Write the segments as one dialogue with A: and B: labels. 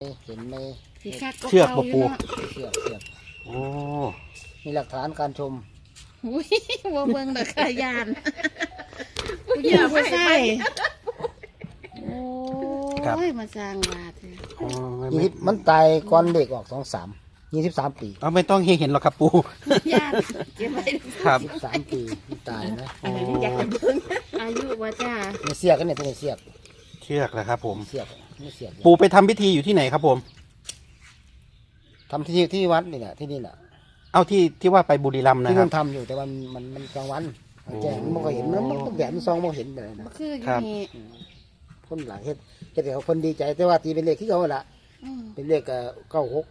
A: เห็นไหม
B: เชือกบ่ปู
A: เชือก
B: โอ้
A: มีหลักฐานการชม
C: อุ้ยว่าเบิ่งดอกขายานผู้หญิงผู้ชายโอ้ยมาสร้างบาทเลย
B: อ๋อ
A: มันตายก่อนเด็กออก23 ปี
B: เอาไม่ต้องให้เห็นหรอกครับปู
C: ยานเก็บไว้
B: ครับ
A: 23 ปีมันตายนะ
B: โอ้
C: อยากจะเบิ่งอายุว่าจ้า
A: มีเสียกกันเนี่ยตัวนี้เสียก
B: เชือกแหละครับผม
A: เสียกนี่เสียก
B: ปูไปทำพิธีอยู่ที่ไหนครับผม
A: ทำที่วัดนี่แหละที่นี่แหละ
B: เอาที่ว่าไปบุรีรัมย์นะ
A: ที่
B: ครั
A: มั
B: บ
A: นทำอยู่แต่ว่ามันกลางวันแจ้งมันก็เห็นมันก็แบบมันซองมันเห็นเลยนะ
C: คืออ
B: ครั
C: ยู่
B: บ
C: นี่
A: คนหลายเฮ็ดเดี๋ยวคนดีใจแต่ว่าตีเป็นเลขที่เขาละ
C: อืม
A: เป็นเลข96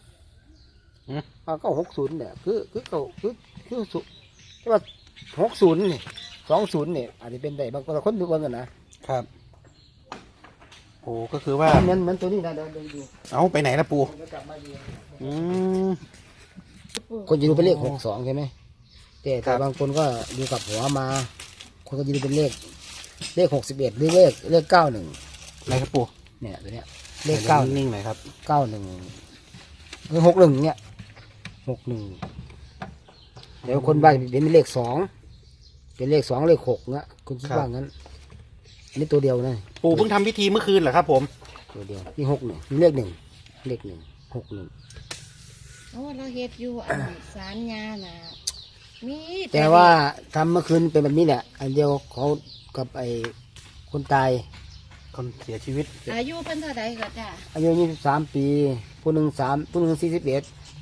A: 960เนี่ยคือสุแต่ว่า60นี่20นี่อาจจะเป็นได้บางคนดูกันนะครับ
B: โอ้ก็คือว่า
A: เหมือนตัวนี้นะเดี๋ยวดู
B: เอาไปไหนละปู
A: เดี๋ยวกลับมาดู
B: อืม
A: คนจะดูเป็นเลข62ใช่ไหมแต่บางคนก็ดูกับหัวมา คนก็จะดูเป็นเลข61หรือเลข91
B: ไหนครับปู
A: เนี่ยตัวเนี้ยเลข
B: นิ่งๆหน่อยครับ
A: 91หรือ61เนี่ย61เดี๋ยวคนบ้านเป็นเลข2เป็นเลข2เลข6เงี้ยคุณคิดว่างั้นอันนี้ตัวเดียวนะ
B: ปูเพิ่งทำพิธีเมื่อคืนเหรอครับผม
A: ตัวเดียวนี่61มีเลข1 61
C: โอ้เราเฮ็ดอยู่อันศาลยาน่ะมี
A: แต่ว่าทำเมื่อคืนเป็นแบบนี้แหละอันเดียวเขากับไอ้คนตาย
B: คนเสียชีวิต
C: อายุเพิ่นเท่าใดก็จ้า
A: อายุ23 ปีผู้หนึ่ง41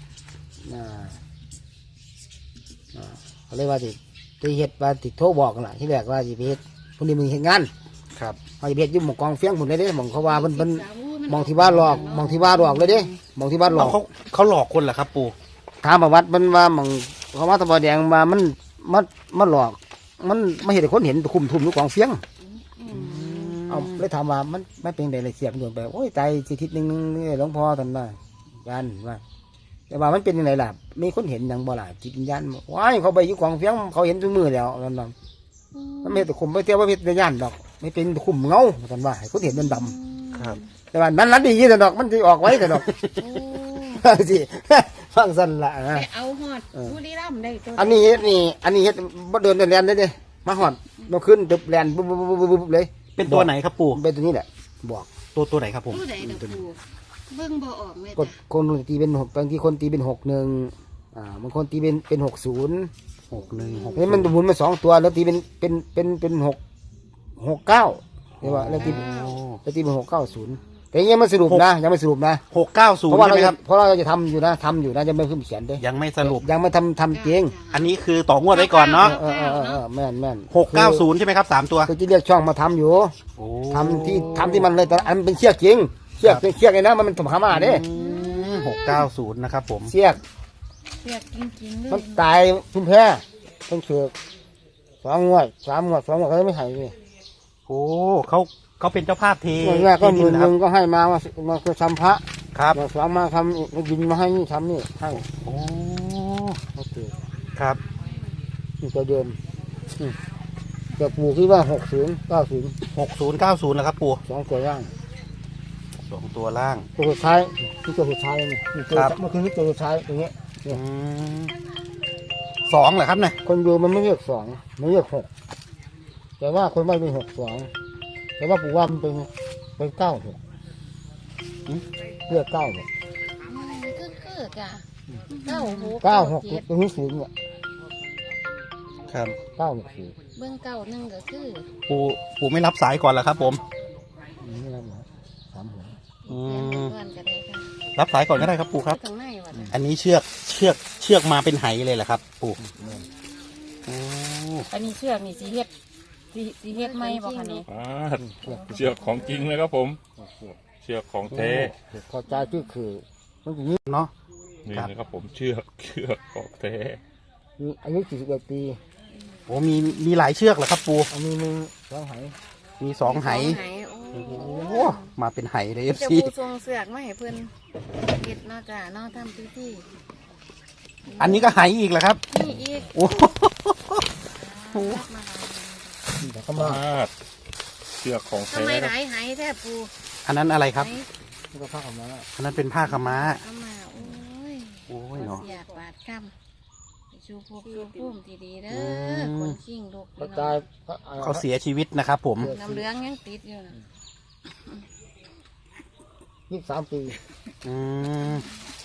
A: เขาเรียกว่าที่เฮ็ดว่าที่โทรบอกกันล่ะที่แรกว่าสิไปเฮ็ดผู้นี้มึงเฮ็ดงาน
B: ครับ
A: เขาจะไปเฮ็ดอยู่หมู่กองเฟียงพุ่นเลยเด้หม่องเขาว่าเพิ่นมองที่บ้านหลอกมองที่บ้านหลอกเลยเด้มองที่บ้านหลอก
B: เขาหลอกคนเหรอครับปู
A: ถามประวัติมันว่าหม่องเขาว่าตะบอแดงมามันหลอกมันไม่เห็นคนเห็นคุมทุ่มอยู่กองเฟียง เอาเลยถามว่ามันไม่เป็นไรเลยเสียบโดนไปโอ้ยใจสิทิศหนึ่งหลวงพ่อท่านว่ายันว่าแต่ว่ามันเป็นยังไงล่ะมีคนเห็นอย่างบ่ล่ะจิตวิญญาณว้ายเขาไปอยู่กองเฟียงเขาเห็นทุกมือแล้วนั่นมันไม่แต่คุมไปเที่ยวว่าเป็นญาณดอกไม่เป็นคุมเงาท่านว่าให้คนเห็นมันด
B: ครับ
A: ำแต่ว่านั้นดีแต่ดอกมันจะออกไว้แต่ดอก
C: โอ้
A: สิฟังสั้นละนะ
C: ไปเอาฮอดบุรีรัมย์ได้ตัว
A: อันนี้เฮ็ดบ่เดินแลนได้เด้มาหอดมาขึ้นตึบแลนปุ๊บเลย
B: เป็นตัวไหนครับปู
A: เป็นตัวนี้แหละบอก
B: ตัวไหนครับผม
C: ผู้ใดดอกปูเบิ่งบ่ออกแม่
A: กด
C: จ้ะ
A: คนตีเป็น6บางทีคนตีเป็น61บางคนตีเป็น60
B: 61
A: เฮ้ยมันหมุนมา2ตัวแล้วตีเป็น669เรียกว่าแล้วตีเป็น690แต่ยังไม่สรุปนะยังไม่สรุปนะ
B: 690
A: เพราะว่า
B: ใช่
A: เรา
B: ไหมครับ
A: เพราะเราจะทำอยู่นะยังไม่ขึ้นเขียนเด้
B: ยังไม่สรุป
A: ยังไม่ทำจริง
B: อันนี้คือต่องวดไว้ก่อนเนาะ
A: แม่น
B: 690ใช่ไหมครับ3ตัว
A: คือจะเรียกช่องมาทำอยู่
B: โอ้
A: ทำที่มันเลยแต่อันเป็นเชือกจริงเชือกเลยนะมันถมหามาเด้
B: 690นะครับผม
A: เชือก
C: เรียกจริงๆเล
A: มัน
C: ย
A: ตายทุ่มแพ้ต้องเชือก2 งวด 3 งวด 2 งวดเขาไม่ให้เลย
B: โอ้เขาเป็นเจ้าภาพเท
A: แรกก็หมื่น
B: นะ
A: ห
B: ครั
A: นึ่
B: บ
A: งก็ให้มาคือทำพระ
B: ครับ
A: อย่างสองมาทำดินมาให้นี่ทำนี่ให้
B: โอ้
A: โอเค
B: ครับ
A: นี่ตัวเดิมจะปลูกที่ว่า60
B: 6090แล้วครับปู่
A: 90 2 ตัวย่าง
B: 2ตัวล่าง
A: ตัวสุดท้ายที่ตัวสุดท้ายนี่ตัว
B: ครับ
A: เมื่อคืนนี้ตัวสุดท้ายตรงนี้
B: อืม2เหรอครับเนี่ย
A: คนดูมันไม่เรียก2มันเรียก6แต่ว่าคนไม่เป็น62แต่ว่าปู่ว่ามันเป็น96เรียก9เนี่ย
C: คือจ้ะ
A: 96ตรงนี้สูงเนี่ย
B: ครับ
A: 964
C: เบิ่งเก้าหนึ่งก็คือ
B: ปู่ไม่รับสายก่อนเหรอครับผม
A: นี่นะ3 หัว
B: อื
C: เรียน
B: ม
C: ก่อนก็ได้ค่ะ
B: รับสายก่อนก็ได้ครับปู่ครับ
C: ข้างในว่ะจ้ะ
B: อันนี้เชือกมาเป็นไหเลยเหรอครับ ปู่โอ้
D: อันนี้เชือกนี่สีเฮ็ดสีเฮ็ดไหมบ่คะนี่
E: เชือกของจริงเลยครับผม เชือกของแท้
A: พอใจคือมันอย่างนี้
B: เนาะ
E: นี่
B: ครับ
E: นะครับผมเชือกของแท้
A: มีอายุ41 ปี
B: โอ้มีหลายเชือกเหรอครับ ปู่
A: อันนี้2 ไห
B: มี2ไห
C: โอ้
B: โอ้มาเป็นไหเลย
C: จะ
B: FC
C: ปูทรงเสือกมาให้เพิ่นเฮ็ดเนาะจ้ะเนาะทำพิธี
B: อันนี้ก็ไหอีกเหรอครับ
C: นี่อีก
B: โอ้
C: มา
A: เดี๋ยวก็มา
E: เชือกของ
C: ทำ
E: แท้
C: ไม
E: ค
C: ห
E: รับ
C: ลายหายแท้ปู
B: อันนั้นอะไรครับ
C: ไห
A: นี่ก็ผ้าขาวม้า
B: อันนั้นเป็นผ้าขาวม้า
C: เอามาโอ้ย
B: โอ้ยเนาะ
C: เสียบาดกำไปชูพบชูพุ่มทีดีเด้
B: อื
C: อ
B: ม
C: คนขิงลูก
A: ก็
C: พี่น้
A: ตา
C: อย ง
B: เขาเสียชีวิตนะครับผม
C: น้ำเหลืองยังติดอยู่นะ
A: 23 ปี
B: อืม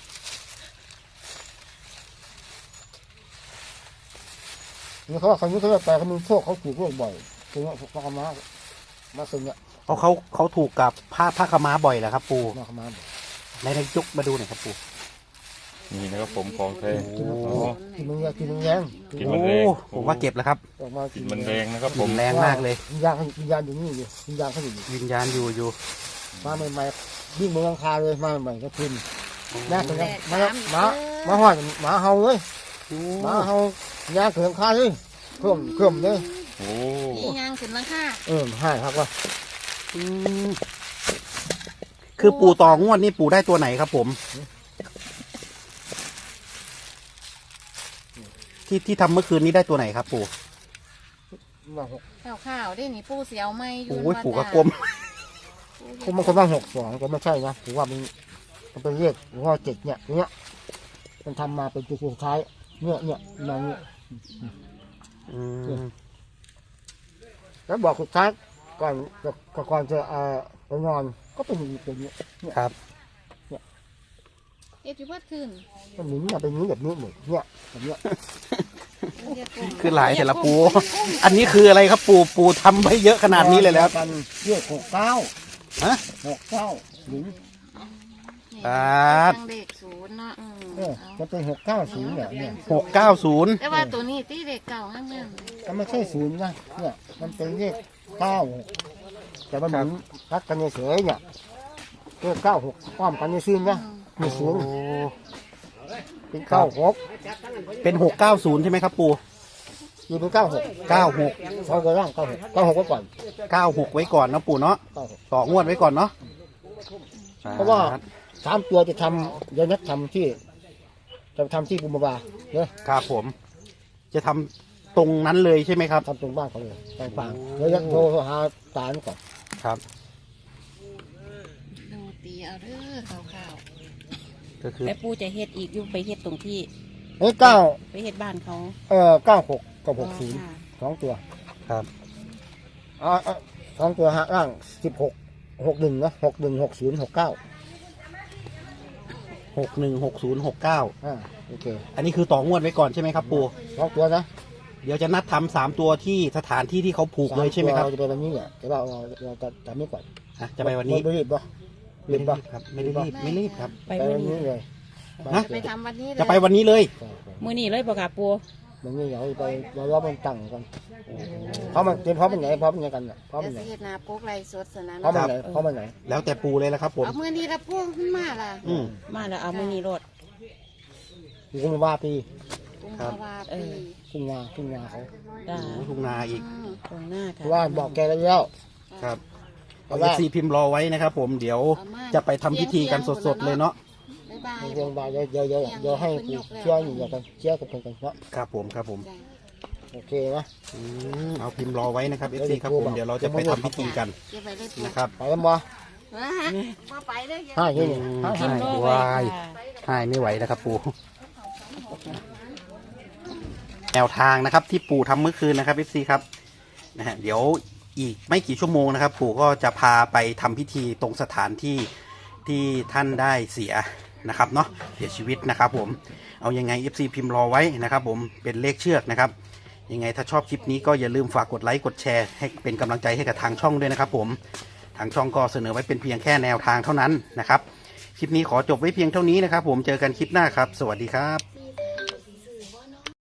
A: นี่เขาว่าเขาจะไปเขามีโชคเขาถูกโรคบ่อยคือว่าผ้าขาวม้ามาซึงเนี่ย
B: เพราะเขาถูกกับผ้าขาวม้าบ่อยแหละครับ ปู่
A: มาขาวม้าบ่อย
B: ในยกมาดูหน่อยครับปู่
E: นี่นะครับผมของแท้
A: กิน
E: อ๋อ
A: กินมันกินมันแรง
E: กิน
B: โอ้
E: มันแรง
B: ผมว่าเก็บแล้วครับ
A: ออกมา
E: กินมันแรงนะครับผม
B: แรงมากเลย
A: วิญญาณอยู่นี่อยู่วิญญาณเขาอยู่นี่
B: วิญญาณอยู่
A: มาใหม่ๆวิ่งบนหลังคาเลยมาใหม่ๆก็ขึ้นแม่ถึง
C: แต
A: นะ
C: ก
A: มา
C: สามอีก
A: มาหอดหมาเห่าเลย
B: โอ้
A: หมาเห่าย่างขึ้นหลังคาเลยเคลื่อมเลย
E: โอ้
C: พี่ยางขึ้นหลังคา
A: ให้ครับว่า
B: อืมคือปู่ต่องวดนี่ปู่ได้ตัวไหนครับผม ที่ทำเมื่อคืนนี้ได้ตัวไหนครับ ปู่
A: มาหก
C: ข้าวๆได้นี่ปูเสียวไม่อยู่
B: โอ้ยปู่กระกลม
A: ผมมันคนว่า62ก็ไม่ใช่นะถือว่ามันเป็นเลขหรือว่า7เนี่ยมันทำมาเป็นตัวสุดท้ายเนี่ยมาเนี่ย
B: อืม
A: แล้วบอกสุดท้ายก่อนจะไปนอนก็เป็นอย่างนี้เป็นเนี่ย
B: ครับ
C: เอ็ดอยู่เพิ่ขึ้น
A: มันหมุนมาเป็นนี้แบบนี้หมดเนี่ยแบบเนี้ย
B: คือหลายแต่ละปู อันนี้คืออะไรครับปู่ทำไว้เยอะขนาดนี้เลยแล้ว
A: กันเลข69
B: ฮะ
A: 69หรือ
C: ตั้งเลขศูนย์เนาะ
A: มันเป็น690เนี่ย
B: 690
C: แต่ว่าตัวนี้ตีเลขเก่าห้างเมือง
A: มันไม่ใช่ศูนย์นะเนี่ยมันเป็นเลข96แต่มันหมุนรัดกันเฉยๆเนี่ยเลข96ป้อมกันซื่อๆนะมีศูนย์เป็น96
B: เป็น690ใช่ไหมครับปู่
A: อยู่เป็น96
B: 96
A: สองตัวล่าง96ไว้ก่อน
B: 96ไว้ก่อนนะปู่เนาะ
A: 96
B: ต่องวดไว้ก่อนเนาะ
A: เพราะว่า 3 ตัวจะทำเดี๋ยวนัดทำที่ปุมบาเนี่ย
B: ครับผม จะทำตรงนั้นเลยใช่ไหมครับ
A: ทำตรงบ้านเขาเลยตรงฟางแล้วยักโทรหาตาลก่อน
B: ครับ
C: ดูตีเอาเด้อข้าว
B: ก็คือ
D: แต่ปู่จะเฮ็ดอีกอยู่ไปเฮ็ดตรงที่
A: เฮ้ย
D: ไปเฮ็ดบ้านเขา
A: 96กับ60 2 ตัว
B: ครับ
A: 2 ตัวหาล่าง16 61นะ61 60 69
B: 616069
A: โอเค
B: อันนี้คือต่องวดไว้ก่อนใช่ไหมครับปู่
A: 2 ตัวนะ
B: เดี๋ยวจะนัดทำ3ตัวที่สถานที่ที่เขาผูกเลยใช่ไหมครับ
A: เราจะไปวันนี้เนี่ยแต่ว่าเราจะทำนี้ก่อน
B: อ่ะจะไปวันนี้
A: ไม่รีบป่ะ
B: ไม่รีบครับ ไม่รีบครับ
D: ไป
A: ไป
D: มื้อ
A: วัน
D: นี้
A: นี้เลย
B: ฮะ
C: ๆไปทำวันนี้เลย
B: จะไปวันนี้เลย
D: มื้อนี้เลยบ่ค่ะปู่
A: มันนี่เราไปเรารอมันตั้งกันเพราะมันเตรียมพร้อมเป็นไหนพร้อมเป็นไงกันพร้อม
C: เดี๋
A: เป็
C: ยวน
A: ไหน
C: สิเฮ็ดหนาปุ๊กไรสดสนะ
A: พร้อมเป็นไหนพร้อมเป็นไหน
B: แล้วแต่ปูเลยละครับผม
C: เอามือนี้ละพวกขึ้นมาล่ะ
B: อืม
D: มาแล้วเอามื้อนี้รถ
A: อยู่กุมภาปี
C: กุมภาวาปี
A: ทุ่งนาเขา
D: จ้า
B: ทุ่งนาอีก
D: ตรงหน้า
A: เพ
D: ค่ะ
A: ราะว่าบอกแกแล้ว
B: ครับ
A: เพ
B: เอา
A: ราะว่า
B: ซีพิมพ์รอไว้นะครับผม เดี๋ยวจะไปทำพิธีกันสดๆเลยเนาะ
C: บ๊ายบาย
A: เรื่องบาเดี๋ยวให้เชื่ออยู่กันเชื่อกับกันเนาะ
B: ครับผมครับผม
C: จ้ะ
A: โอเคนะ
B: เอาพิมพ์รอไว้นะครับเอฟซีครับผม เดี๋ยวเราจะไปทำพิธีกัน
C: เก็บไว้เลยปุ๊ก
B: นะครับ
A: ไปแล้วบ่
C: มาไปเลย
A: ให้ที่นี่
D: พิมพ์รอไว้
B: วาย
D: ค่ะ
B: ให้ไม่ไหวนะครับปูแนวทางนะครับ ที่ปู่ทำเมื่อคืนนะครับเอฟซีครับนะฮะเดี๋ยวอีกไม่กี่ชั่วโมงนะครับ ปู่ก็จะพาไปทำพิธีตรงสถานที่ที่ท่านได้เสียนะครับเนาะเสียชีวิตนะครับผมเอายังไง FC พิมพ์รอไว้นะครับผมเป็นเลขเชือกนะครับยังไงถ้าชอบคลิปนี้ก็อย่าลืมฝากกดไลค์กดแชร์ให้เป็นกำลังใจให้กับทางช่องด้วยนะครับผมทางช่องก็เสนอไว้เป็นเพียงแค่แนวทางเท่านั้นนะครับคลิปนี้ขอจบไว้เพียงเท่านี้นะครับผมเจอกันคลิปหน้าครับสวัสดีครับ
C: ส